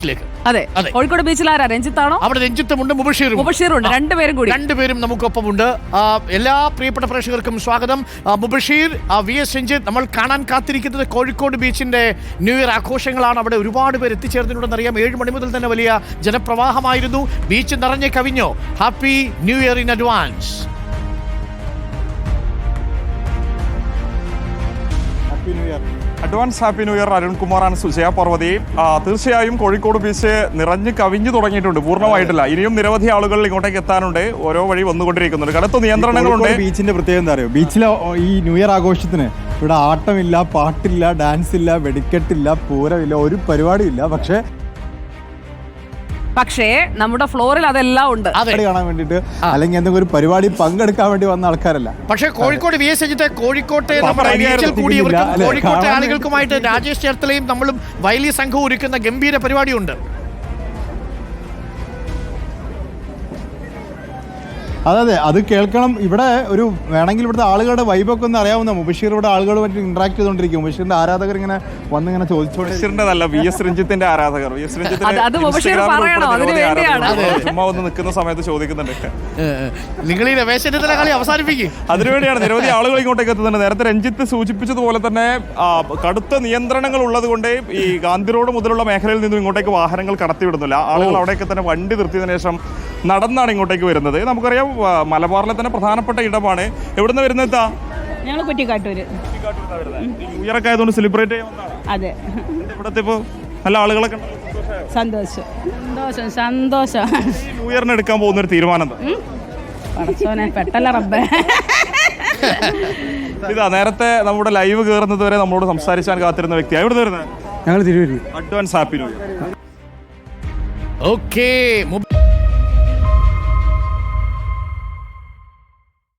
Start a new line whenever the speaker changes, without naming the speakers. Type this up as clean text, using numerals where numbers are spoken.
അതെ, കോഴിക്കോട് ബീച്ചിൽ ആരാ? രഞ്ജിത്താണോ?
അവിടെ രഞ്ജിത്തുമുണ്ട്,
മുബഷീറുണ്ട്. രണ്ടുപേരും
നമുക്കൊപ്പം ഉണ്ട്. എല്ലാ പ്രിയപ്പെട്ട പ്രേക്ഷകർക്കും സ്വാഗതം. മുബഷീർ, VS രഞ്ജിത്ത്, നമ്മൾ കാണാൻ കാത്തിരിക്കുന്നത് കോഴിക്കോട് ബീച്ചിന്റെ ന്യൂ ഇയർ ആഘോഷങ്ങളാണ്. അവിടെ ഒരുപാട് പേര് എത്തിച്ചേർന്നിട്ടുണ്ടെന്നറിയാം. 7 മണി മുതൽ തന്നെ വലിയ ജനപ്രവാഹമായിരുന്നു. ബീച്ച് നിറഞ്ഞ് കവിഞ്ഞോ? Happy new year in advance.
Happy new year. അരുൺകുമാറാണ് സുജയ പർവതി. തീർച്ചയായും കോഴിക്കോട് ബീച്ച് നിറഞ്ഞു കവിഞ്ഞു തുടങ്ങിയിട്ടുണ്ട്, പൂർണ്ണമായിട്ടില്ല. ഇനിയും നിരവധി ആളുകൾ ഇങ്ങോട്ടേക്ക് എത്താനുണ്ട്. ഓരോ വഴി വന്നുകൊണ്ടിരിക്കുന്നുണ്ട്. കടുത്ത നിയന്ത്രണങ്ങളുണ്ട്.
ബീച്ചിന്റെ പ്രത്യേകത എന്താ അറിയോ? ബീച്ചിലെ ഈ ന്യൂ ഇയർ ആഘോഷത്തിന് ഇവിടെ ആട്ടമില്ല, പാട്ടില്ല, ഡാൻസ് ഇല്ല, വെടിക്കെട്ടില്ല, പൂരമില്ല, ഒരു പരിപാടിയില്ല.
പക്ഷേ നമ്മുടെ ഫ്ലോറിൽ അതെല്ലാം ഉണ്ട്.
കാണാൻ വേണ്ടിട്ട് അല്ലെങ്കിൽ എന്തെങ്കിലും ഒരു പരിപാടി പങ്കെടുക്കാൻ വേണ്ടി വന്ന ആൾക്കാരല്ല.
പക്ഷേ കോഴിക്കോട് VS രഞ്ജിത്തെ, കോഴിക്കോട്ടെ കോഴിക്കോട്ടെ ആളുകൾക്കുമായിട്ട് രാജേഷ് ചേർത്തലയും നമ്മളും വലിയ സംഘവും ഒരുക്കുന്ന ഗംഭീര പരിപാടിയുണ്ട്.
അതെ, അത് കേൾക്കണം. ഇവിടെ ഒരു വേണമെങ്കിൽ ഇവിടുത്തെ ആളുകളുടെ വൈബൊക്കെ ഒന്ന് അറിയാവുന്ന മുബഷീർ ഇവിടെ ആളുകളുമായിട്ട് ഇന്ററാക്ട് ചെയ്തുകൊണ്ടിരിക്കും. മുബഷീറിന്റെ ആരാധകർ ഇങ്ങനെ വന്നിങ്ങനെ
ചോദിച്ചോണ്ടിരുന്നതല്ല, VS രഞ്ജിത്തിന്റെ ആരാധകർ. ചുമ്മാ ഒന്ന് നിൽക്കുന്ന സമയത്ത് ചോദിക്കുന്നുണ്ട്.
നിങ്ങൾ ഈ രമേശന്റെ കളി അവസാനിപ്പിക്കും.
അതിനുവേണ്ടിയാണ് നിരവധി ആളുകൾ ഇങ്ങോട്ടേക്ക് എത്തുന്നുണ്ട്. നേരത്തെ രഞ്ജിത്ത് സൂചിപ്പിച്ചതുപോലെ തന്നെ കടുത്ത നിയന്ത്രണങ്ങൾ ഉള്ളത് കൊണ്ട് ഈ ഗാന്ധി റോഡ് മുതലുള്ള മേഖലയിൽ നിന്നും ഇങ്ങോട്ടേക്ക് വാഹനങ്ങൾ കടത്തിവിടുന്നില്ല. ആളുകൾ അവിടേക്ക് തന്നെ വണ്ടി നിർത്തിയതിനു ശേഷം നടന്നാണ് ഇങ്ങോട്ടേക്ക് വരുന്നത്. നമുക്കറിയാം, മലബാറിലെ തന്നെ പ്രധാനപ്പെട്ട ഇടമാണ്. എവിടുന്ന് വരുന്നത്?
ഞങ്ങൾ കുറ്റിക്കാട്ടൂര്.
ന്യൂ ഇയർ ഒക്കെ ആയതുകൊണ്ട് സെലിബ്രേറ്റ് ചെയ്യാൻ.
അതെ,
ഇവിടുത്തെ ഇപ്പോൾ നല്ല ആളുകളൊക്കെ
സന്തോഷം.
ന്യൂ ഇയറിന് എടുക്കാൻ പോകുന്ന ഒരു തീരുമാനം
പെട്ടല്ല റബ്ബേ.
ഇതാ നേരത്തെ നമ്മുടെ ലൈവ് കയറുന്നത് വരെ നമ്മളോട് സംസാരിച്ചാൻ കാത്തിരുന്ന വ്യക്തിയാണ്. എവിടെ വരുന്നത്?
ഞങ്ങൾ തിരുവരി.
Advance happy new year.
Okay.